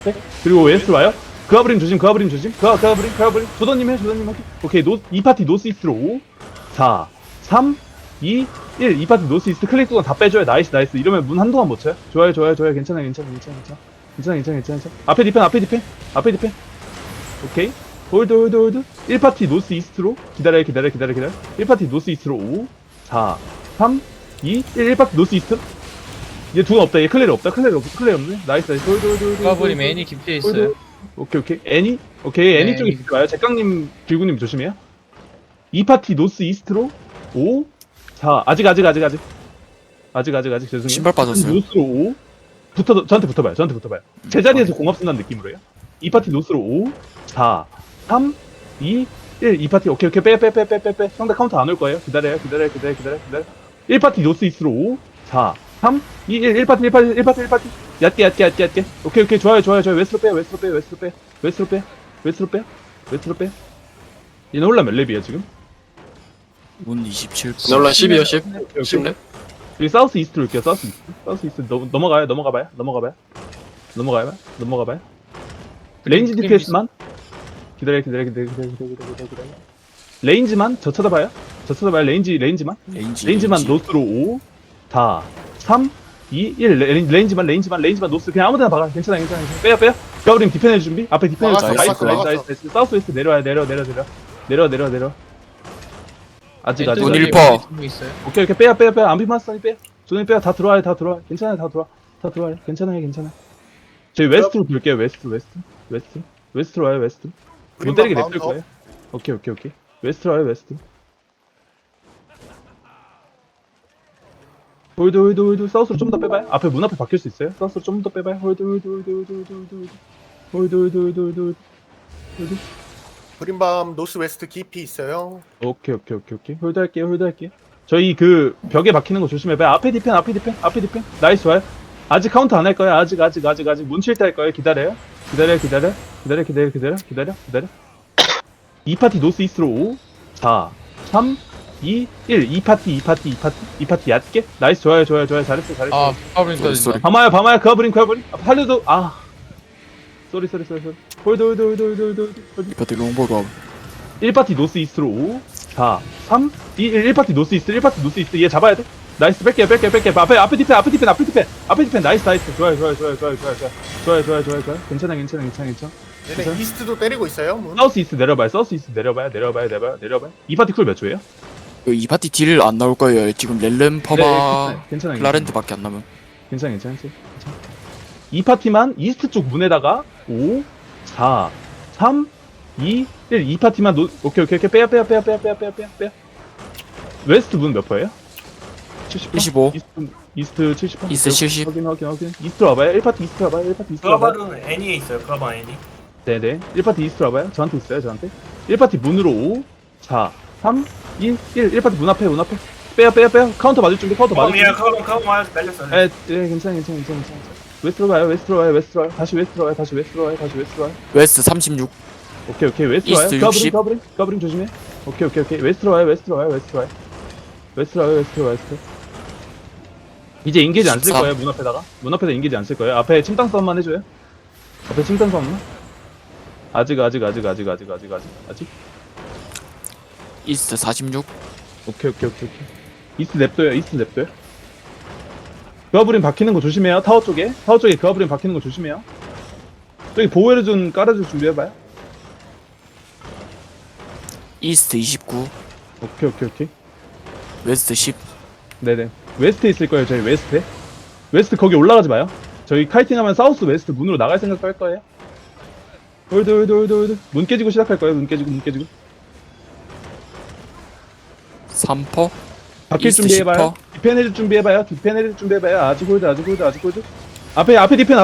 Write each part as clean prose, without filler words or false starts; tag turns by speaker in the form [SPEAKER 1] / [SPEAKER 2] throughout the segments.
[SPEAKER 1] 그리고 웨스트 와요. 그아브림 조심, 그아브림 조심. 그아브림. 조던님 해. 오케이, 이 파티 노스 이스트로 5, 4, 3, 2, 1. 이 파티 노스 이스트 클릭 동안 다 빼줘요. 나이스. 이러면 문 한동안 못 쳐요. 좋아요. 괜찮아. 앞에 디펜. 오케이. 홀드. 1파티 노스 이스트로. 기다려. 1파티 노스 이스트로 5, 4, 3, 2, 1. 1파티 노스 이스트. 얘 둔 없다. 얘 클레리 없네. 나이스. 홀드.
[SPEAKER 2] 까불이 메인이 깊게 있어요.
[SPEAKER 1] 오케이. 애니
[SPEAKER 2] 네.
[SPEAKER 1] 쪽에 있을 거야. 잭강님, 길구님 조심해요. 이 파티 노스 이스트로 5, 4. 아직. 죄송해요.
[SPEAKER 3] 신발 빠졌어요.
[SPEAKER 1] 노스로 5. 저한테 붙어봐요. 제자리에서 공합 쓴다는 느낌으로요. 이 파티 노스로 5, 4, 3, 2, 1. 이 파티 오케이. 빼. 상대 카운터 안 올 거예요. 기다려요. 1파티 노스 이스트로 5, 4, 3, 2, 1. 1파티. 얕게. 오케이. 좋아요. 웨스트로 빼. 얘네 혼란 몇 렙이야, 지금?
[SPEAKER 3] 문 27.
[SPEAKER 4] 놀라 12요 10.
[SPEAKER 1] 오케이.
[SPEAKER 4] 10렙.
[SPEAKER 1] 여기 사우스 이스트로 올게요. 사우스 이스트. 넘어가봐요. 레인지 DPS만. 기다려. 레인지만, 저 쳐다봐요. 레인지만. 레인지만 노스로 5, 4, 3, 2, 1. 레인지만 노스. 그냥 아무데나 박아. 괜찮아. 빼요. 가브림 디펜 해줄 준비. 앞에 디펜 해줄 준비.
[SPEAKER 4] 막았어.
[SPEAKER 1] 나이스. 사우스 웨스트 내려. 아직.
[SPEAKER 3] 문
[SPEAKER 2] 왼쪽에
[SPEAKER 3] 1퍼.
[SPEAKER 2] 있어요.
[SPEAKER 1] 오케이. 빼요. 안비마스터니 빼요. 조니 빼요. 다 들어와요. 괜찮아요. 다 들어와요. 괜찮아요. 저희 웨스트로 돌게요. 웨스트로 와요. 못 때리게 냅둘 거예요. 오케이. 웨스트로 와요. 홀드. 사우스로 좀 더 빼봐요. 앞에 문 앞에 바뀔 수 있어요. 사우스로 좀 더 빼봐요. 홀드.
[SPEAKER 5] 그린밤 노스 웨스트 깊이 있어요.
[SPEAKER 1] 오케이. 홀드 할게요. 저희 그 벽에 박히는 거 조심해봐요. 앞에 디펜. 나이스 와요. 아직 카운트 안 할 거예요. 아직. 문칠 때 할 거예요. 기다려. 2파티 노스 이스트로 5, 4, 3, 2, 1. 2파티 얕게. 나이스. 좋아요. 잘했어.
[SPEAKER 2] 아, 까불이
[SPEAKER 3] 쏘리.
[SPEAKER 2] 터진다.
[SPEAKER 1] 밤아야. 그아브림. 팔려도, 쏘리. 홀드.
[SPEAKER 3] 이파티 롱보드.
[SPEAKER 1] 1파티 노스 이스트로 5, 4, 3, 2, 1. 1파티 노스 이스트. 얘 잡아야 돼. 나이스. 뺄게요. 앞에 디펜. 나이스. 좋아요. 괜찮아.
[SPEAKER 5] 얘네 이스트도 때리고 있어요. 문.
[SPEAKER 1] 사우스 이스트 내려봐요. 2파티 쿨 몇 초예요?
[SPEAKER 3] 이파티 딜 안 나올 거예요. 지금 렐름 퍼마
[SPEAKER 1] 괜찮아.
[SPEAKER 3] 클라렌트밖에 안 남은.
[SPEAKER 1] 괜찮아. 2파티만 이스트 쪽 문에다가 5, 4, 3, 2, 1. 2파티만 오케이. 빼요. 웨스트 문 몇 퍼예요? 70%?
[SPEAKER 3] 75.
[SPEAKER 1] 이스트 70%?
[SPEAKER 3] 이스트 70.
[SPEAKER 1] 확인. 이스트 와봐요. 1파티 이스트 와봐요.
[SPEAKER 6] 그라바는 애니에 있어요. 그라바 애니.
[SPEAKER 1] 네네. 1파티 이스트 와봐요. 저한테 있어요. 1파티 문으로 5, 4, 3, 2, 1. 1파티 문 앞에. 빼요. 카운터 맞을 준비.
[SPEAKER 6] 카운이야 카운 날렸어.
[SPEAKER 1] 네, 괜찮아. 웨스트로 가요. 다시 웨스트로 와요.
[SPEAKER 3] 웨스트 36.
[SPEAKER 1] 오케이. 웨스트로
[SPEAKER 3] 이스트
[SPEAKER 1] 와요.
[SPEAKER 3] 60.
[SPEAKER 1] 가브링 조심해. 오케이. 웨스트로 와요. 이제 인게이지 안 쓸
[SPEAKER 3] 14.
[SPEAKER 1] 거예요. 문 앞에다 인게이지 안 쓸 거예요. 앞에 침땅 싸움만 해줘요. 아직.
[SPEAKER 3] 이스트 46.
[SPEAKER 1] 오케이. 이스트 냅둬요. 그아브린 박히는 거 조심해요. 타워 쪽에 그아브린 박히는 거 조심해요. 저기 보호해를 좀 깔아줄 준비해봐요.
[SPEAKER 3] 이스트 29.
[SPEAKER 1] 오케이.
[SPEAKER 3] 웨스트 10.
[SPEAKER 1] 네네. 웨스트에 있을 거예요. 저희 웨스트 거기 올라가지 마요. 저희 카이팅하면 사우스 웨스트 문으로 나갈 생각도 할 거예요. 홀드. 문 깨지고 시작할 거예요. 문 깨지고.
[SPEAKER 3] 3퍼.
[SPEAKER 1] 바뀔
[SPEAKER 3] 이스트
[SPEAKER 1] 준비해봐요.
[SPEAKER 3] 10퍼.
[SPEAKER 1] 디펜 해줄 준비해봐요. 아직 홀드. 앞에 디펜.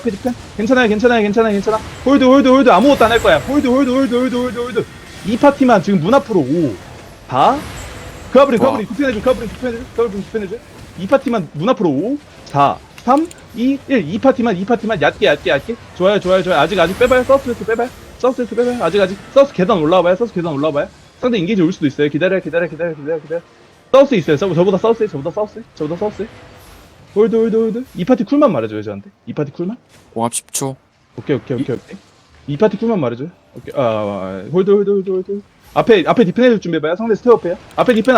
[SPEAKER 1] 괜찮아. 홀드. 아무것도 안 할 거야. 홀드. 이 파티만 지금 문 앞으로 5, 4. 그아브린 디펜해줘. 이 파티만 문 앞으로 5, 4, 3, 2, 1. 이 파티만 얕게. 좋아요. 아직 빼봐요. 사우스 웨스트 빼봐요. 아직. 사우스 계단 올라와봐요. 상대 인게이지 올 수도 있어요. 기다려. 사우스 있어요. 저보다 사우스. 홀드. 이 파티 쿨만 말해줘요, 저한테. 이 파티 쿨만?
[SPEAKER 3] 공합 10초.
[SPEAKER 1] 오케이. 이 파티 쿨만 말해줘요. 오케이. 홀드. 앞에 디펜 해줄 준비해봐요. 상대 스테어페야. 앞에 디펜.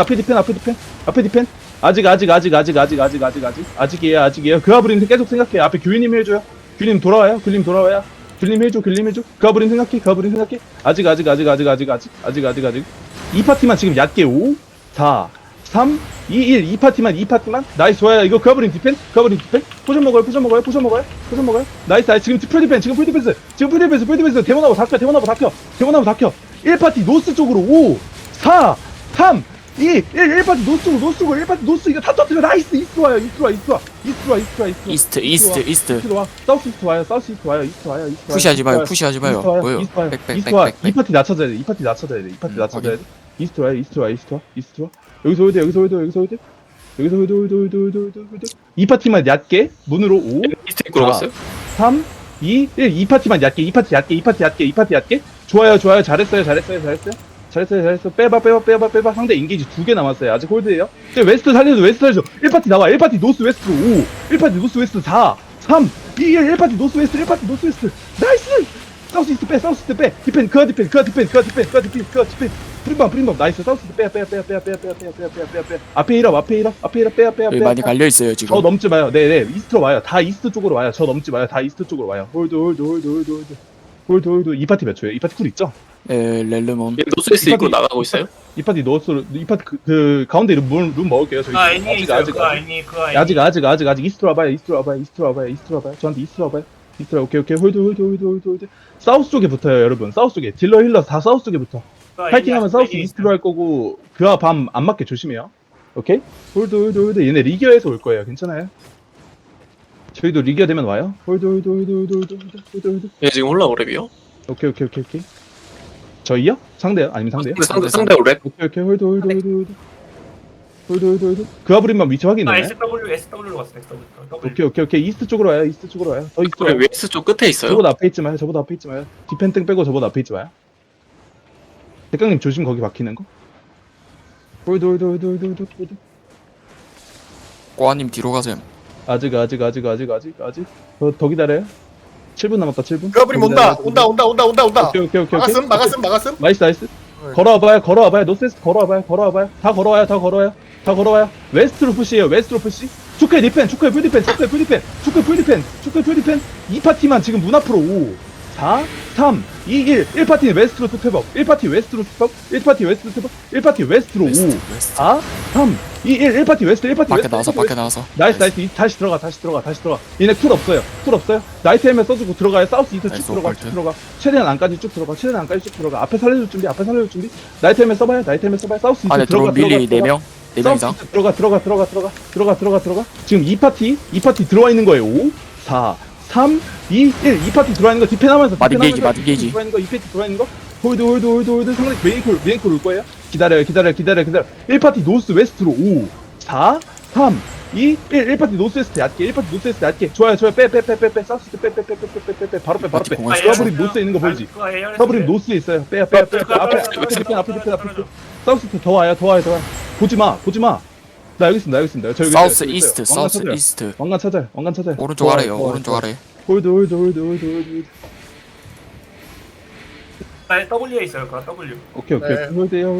[SPEAKER 1] 아직이에요. 그 아브린 계속 생각해. 앞에 규리님 해줘요. 규리님 돌아와요. 규리님 해줘. 그 아브린 생각해. 아직. 이 파티만 지금 얕게 5, 4, 3, 2, 1. 이 파티만. 나이스, 좋아요. 이거 그 아브린 디펜. 포션 먹어요. 나이스. 지금 풀 디펜스. 데모나무 다 켜. 1파티 노스 쪽으로 5, 4, 3, 2, 1. 1파티 노스 쪽으로 1파티 노스 이거 다 터뜨려. 나이스. 이스트 와요.
[SPEAKER 3] 이스트.
[SPEAKER 1] 와. 사우스 이스트 와요.
[SPEAKER 3] 푸시하지 마요. 뭐요? 백.
[SPEAKER 1] 이 파티 낮춰져야 돼. 이스트 와. 여기서 홀드. 이 파티만 얕게 문으로 5,
[SPEAKER 4] 이스트 입구로 갔어요?
[SPEAKER 1] 3, 2, 1. 이 파티만 얕게. 이 파티 얕게. 좋아요. 잘했어요. 빼봐. 상대 인게이지 2개 남았어요. 아직 홀드예요. 웨스트 살려줘. 1파티 나와. 1파티 노스 웨스트로 5, 1파티 노스 웨스트 4, 3, 2, 1. 1파티 노스 웨스트. 나이스. 사우스 이스트 빼. 디펜. 프린밤. 나이스. 사우스 이스트 빼. 앞에 일업.
[SPEAKER 3] 여기 많이 갈려있어요
[SPEAKER 1] 저
[SPEAKER 3] 지금.
[SPEAKER 1] 넘지 마요. 네. 이스트로 와요. 다 이스트 쪽으로 와요. 저 넘지 마요. 다 이스트 쪽으로 와요. 홀드. 이 파티 몇 초예요? 이 파티 쿨 있죠?
[SPEAKER 3] 렐름온.
[SPEAKER 4] 얘 노스웨스트 입구로 나가고 있어요?
[SPEAKER 1] 이 파티 그 가운데 룸 먹을게요. 저희
[SPEAKER 6] 애니에 있어요. 그거 애니.
[SPEAKER 1] 아직 이스트로 와봐요. 저한테 이스트로 와봐요. 오케이. 홀드. 사우스 쪽에 붙어요, 여러분. 사우스 쪽에 딜러 힐러 다 사우스 쪽에 붙어. 파이팅하면 사우스 이스트로 할 거고 그와 밤 안 맞게 조심해요. 오케이? 홀드. 얘네 리기어에서 올 거예요. 괜찮아요? 저희도 리기어 되면 와요. 홀드.
[SPEAKER 4] 얘 지금 홀라오랩이요?
[SPEAKER 1] 오케이. 저희요? 상대요? 아니면 상대요?
[SPEAKER 4] 상대 오랩?
[SPEAKER 1] 오케이. 홀드. 그 아브린만 위치 확인해.
[SPEAKER 6] SW로 갔어. SW.
[SPEAKER 1] 오케이. 이스트 쪽으로 와요. 더 이스트로 와요.
[SPEAKER 4] 그럼 웨스트 쪽 끝에 있어요?
[SPEAKER 1] 저보다 앞에 있지 마요. 디펜 땡 빼고 저보다 앞에 있지 마요. 대강님 조심 거기 박히는 거. 홀드.
[SPEAKER 3] 꼬아님 뒤로 가세요.
[SPEAKER 1] 아직. 더 기다려요. 7분 남았다. 7분.
[SPEAKER 5] 그 아브린 온다.
[SPEAKER 1] 오케이.
[SPEAKER 5] 막았음.
[SPEAKER 1] 나이스. 걸어와봐요. 노스웨스트 걸어와봐요. 다 걸어와요. 웨스트로 푸시에요. 축구의 디펜. 풀 디펜. 이 파티만 지금 문 앞으로 5, 4, 3, 2, 1. 1파티는 웨스트로 투탭업. 1파티 웨스트로 5, 4, 3, 2, 1. 1파티 웨스트.
[SPEAKER 3] 밖에 나와서.
[SPEAKER 1] 나이스. 다시 들어가. 얘네 쿨 없어요. 나이트 헬멧 써주고 들어가요. 사우스 이스트
[SPEAKER 3] 나이스,
[SPEAKER 1] 쭉 들어가.
[SPEAKER 3] 오컬트.
[SPEAKER 1] 최대한 안까지 쭉 들어가. 앞에 살려줄 준비. 나이트 헬멧 써봐요. 사우스 이스트
[SPEAKER 3] 안에 들어온 밀리 4명 이상.
[SPEAKER 1] 사우스 들어가. 지금 이 파티 들어와 있는 거예요. 5, 4, 3, 2, 1. 이 파티 들어와 있는 거 디펜하면서.
[SPEAKER 3] 마딘 게이지.
[SPEAKER 1] 이 파티 들어와 있는 거. 홀드. 상대 메인콜 올 거예요. 기다려요. 1파티 노스 웨스트로 5, 4, 3, 2, 1. 1파티 노스 웨스트 얕게. 좋아요. 빼. 사우스 빼. 바로 빼. 서브림 노스에 있는 거 보이지? 서브림 노스에 있어요. 빼. 앞에 디펜. 사우스 더 와요. 보지 마. 나 여기 있습니다. 저기
[SPEAKER 3] 사우스
[SPEAKER 1] 있어요.
[SPEAKER 3] 이스트.
[SPEAKER 1] 왕관 찾아요.
[SPEAKER 3] 오른쪽 아래요. 오른쪽 아래.
[SPEAKER 1] 홀드.
[SPEAKER 6] W에 있어요. 그거 W.
[SPEAKER 1] 오케이.
[SPEAKER 5] 네.
[SPEAKER 1] 홀드.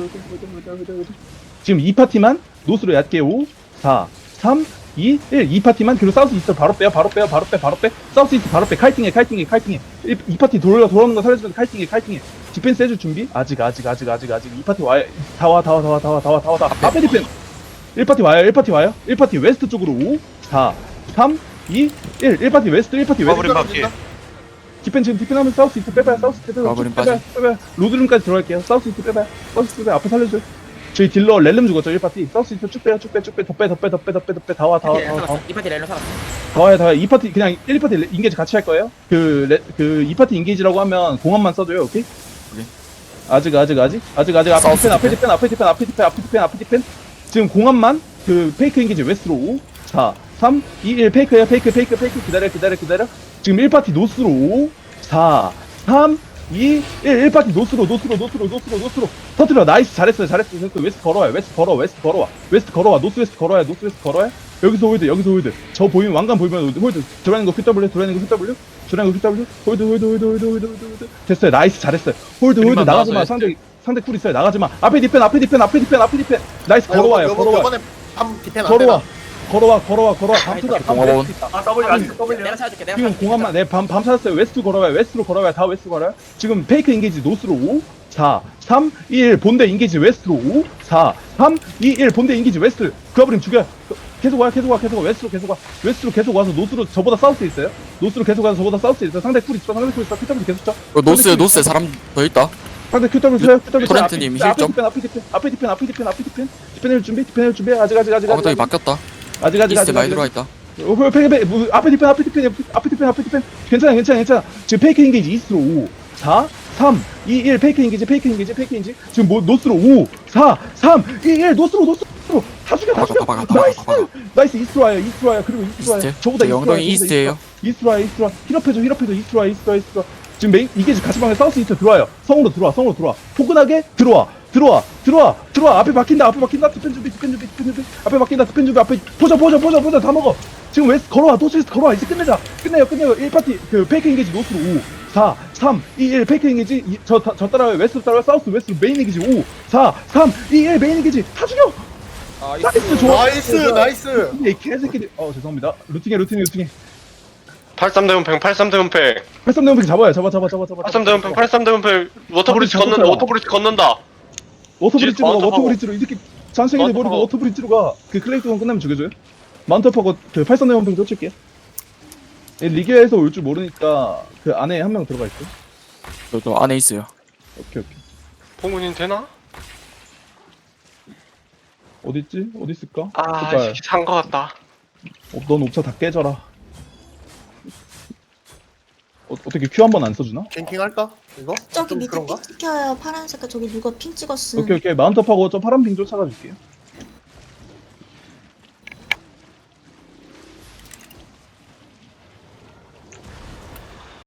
[SPEAKER 1] 지금 이 파티만 노스로 얕게 5, 4, 3, 2, 1. 이 파티만 그리고 사우스 이스트 바로 빼. 사우스 이스트 바로 빼. 카이팅해. 이 파티 돌아오는 거 살려주면 카이팅해. 디펜스 해줄 준비? 아직. 이 파티 와요. 다 와. 앞에 디펜. 1파티 와요. 1파티 웨스트 쪽으로 5, 4, 3, 2, 1. 1파티 웨스트.
[SPEAKER 6] 버블인 바퀴.
[SPEAKER 1] 디펜 하면 사우스 이스트 빼봐요.
[SPEAKER 3] 버블인 빠짐.
[SPEAKER 1] 로드룸까지 들어갈게요. 사우스 이스트 빼봐요. 앞에 살려줘요. 저희 딜러 렐름 죽었죠. 1파티. 사우스 이스트 쭉 빼요. 더 빼. 다 와.
[SPEAKER 7] 이 파티 렐로 살았어.
[SPEAKER 1] 더 와요. 2파티 그냥 1파티 인게이지 같이 할 거예요. 그 2파티 인게이지라고 하면 공합만 써줘요. 오케이? 아직. 앞에 디펜. 지금 공합만 그 페이크 인게이지 웨스트로 5, 4, 3, 2, 1. 페이크야. 페이크. 기다려. 지금 1파티 노스로 5, 4, 3, 2, 1. 1파티 노스로. 터뜨려. 나이스. 잘했어요. 웨스트 걸어와. 노스 웨스트 걸어와요. 여기서 홀드. 저 보이면 왕관 보이면 홀드. 들어가는 거 QW, 들어가는 거 QW. 홀드. 됐어요. 나이스 잘했어요. 홀드
[SPEAKER 2] 그림만
[SPEAKER 1] 나가지 마.
[SPEAKER 2] 나와서
[SPEAKER 1] 상대 쿨 있어요. 나가지 마. 앞에 디펜. 나이스 걸어와요.
[SPEAKER 5] 요번에 밤 디펜 안
[SPEAKER 1] 걸어와.
[SPEAKER 5] 되나?
[SPEAKER 1] 걸어와. 밤투다.
[SPEAKER 3] 공업원.
[SPEAKER 6] 아 W 아직 W.
[SPEAKER 7] 내가 찾아줄게. 내가
[SPEAKER 1] 지금
[SPEAKER 7] 찾아줄게.
[SPEAKER 1] 공항만 밤 찾았어요. 웨스트로 걸어와요. 다 웨스트로 걸어요. 지금 페이크 인게이지 노스로 5, 4, 3, 2, 1 본대 인게이지 웨스트로 5, 4, 3, 2, 1 본대 인게이지 웨스트. 그아브림 죽여. 계속 와. 웨스트로 계속 와서 노스로 저보다 사우스 있어요. 상대 쿨 있어. QW 계속 쳐.
[SPEAKER 3] 노스에 사람 더 있다.
[SPEAKER 1] 상대 QW 쳐요.
[SPEAKER 3] 토렌트님 힐 좀.
[SPEAKER 1] 앞에 디펜. 디펜을 준비. 아직.
[SPEAKER 3] 아무튼 바뀌었다. 이스트 많이 들어와 있다.
[SPEAKER 1] 앞에 디펜. 괜찮아. 지금 페이크 인게이지 이스트로 5, 4, 3, 2, 1 페이크 인게이지. 지금 뭐 노스로 5, 4, 3, 2, 1 노스로. 다 죽여.
[SPEAKER 3] 박아.
[SPEAKER 1] 나이스 이스트로 와요. 그리고 이스트로 와요.
[SPEAKER 3] 이스트.
[SPEAKER 1] 저보다
[SPEAKER 3] 영동이 이스트예요.
[SPEAKER 1] 이스트로 와. 힐업해줘. 이스트로 와. 지금 메인 이게이지 같이 방에 사우스 이스트 들어와요. 성으로 들어와. 포근하게 들어와. 앞에 막힌다. 디펜 준비. 앞에 막힌다. 디펜 준비. 앞에 포져. 다 먹어. 지금 웨스트 걸어와. 노스웨스트 걸어와. 이제 끝내요. 1파티 그 페이크 인게이지 노스로 5, 4, 3, 2, 1 페이크 인게이지. 저 따라와요. 웨스트 따라와요. 사우스 웨스트 메인 인게이지 5, 4, 3, 2, 1 메인 인게이지. 다 죽여. 나이스 좋아.
[SPEAKER 5] 나이스.
[SPEAKER 1] 이 개새끼들. 죄송합니다. 루팅해.
[SPEAKER 8] 83대문팽 83대문팽
[SPEAKER 1] 83대문팩 잡아요. 잡아.
[SPEAKER 8] 83대문팽 83대문팽 워터브리지 걷는다
[SPEAKER 1] 워터브리지로 이 새끼 잔챙이들 버리고 워터브리지로 가. 그 클레이트건 끝나면 죽여줘요. 마운트업하고 그 83대문팩 쫓을게요. 리그에서 올 줄 모르니까 그 안에 한 명 들어가 있어.
[SPEAKER 3] 저 안에 있어요.
[SPEAKER 1] 오케이.
[SPEAKER 8] 포문인 되나?
[SPEAKER 1] 어디 있을까?
[SPEAKER 8] 아 산거 같다
[SPEAKER 1] 넌 옵차 다 깨져라. 어떻게 Q 한 번 안 써주나?
[SPEAKER 5] 갱킹 할까? 이거?
[SPEAKER 9] 저기
[SPEAKER 5] 좀
[SPEAKER 9] 밑에
[SPEAKER 5] 그런가?
[SPEAKER 9] 핑 찍혀요. 파란색깔 저기 누가 핑 찍었음.
[SPEAKER 1] 오케이. 마운트업하고 저 파란 빙 쫓아가 줄게요.